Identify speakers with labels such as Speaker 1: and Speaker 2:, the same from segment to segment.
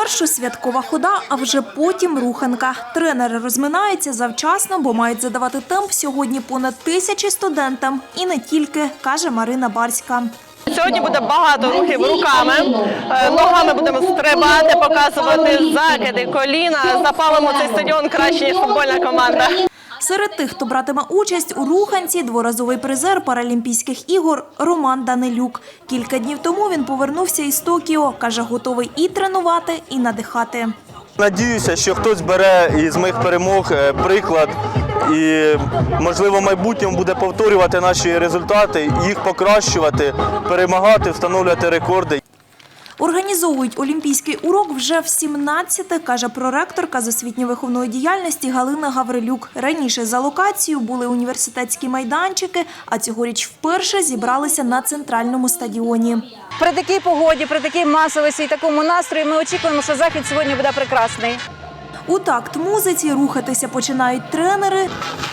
Speaker 1: Спершу святкова хода, а вже потім руханка. Тренери розминаються завчасно, бо мають задавати темп сьогодні понад 1000 студентам. І не тільки, каже Марина Барська.
Speaker 2: Сьогодні буде багато рухів руками, ногами будемо стрибати, показувати закиди, коліна. Запалимо цей стадіон краще, ніж футбольна команда.
Speaker 1: Серед тих, хто братиме участь у руханці, дворазовий призер Паралімпійських ігор Роман Данилюк. Кілька днів тому він повернувся із Токіо. Каже, готовий і тренувати, і надихати.
Speaker 3: Надіюся, що хтось бере із моїх перемог приклад і, можливо, в майбутньому буде повторювати наші результати, їх покращувати, перемагати, встановлювати рекорди.
Speaker 1: Організовують олімпійський урок вже в 17-те, каже проректорка з освітньо-виховної діяльності Галина Гаврилюк. Раніше за локацією були університетські майданчики, а цьогоріч вперше зібралися на центральному стадіоні.
Speaker 4: При такій погоді, при такій масовості і такому настрої ми очікуємо, що захід сьогодні буде прекрасний.
Speaker 1: У такт музиці рухатися починають тренери.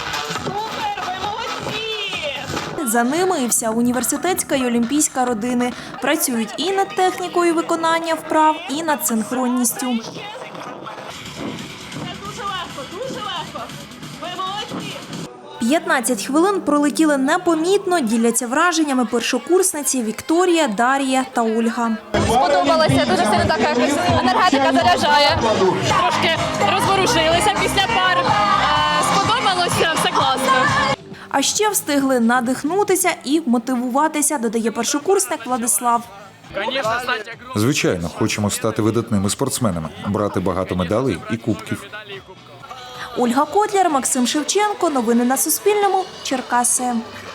Speaker 1: За ними і вся університетська і олімпійська родини. Працюють і над технікою виконання вправ, і над синхронністю.
Speaker 5: Дуже легко. Ви молодці.
Speaker 1: 15 хвилин пролетіли непомітно, діляться враженнями першокурсниці Вікторія, Дар'я та Ольга.
Speaker 6: Сподобалося, дуже сильно так якось енергетика заряджає. Трошки розворушилися після пар. Сподобалося, все класно.
Speaker 1: А ще встигли надихнутися і мотивуватися, додає першокурсник Владислав.
Speaker 7: Звичайно, хочемо стати видатними спортсменами, брати багато медалей і кубків.
Speaker 1: Ольга Котляр, Максим Шевченко. Новини на Суспільному. Черкаси.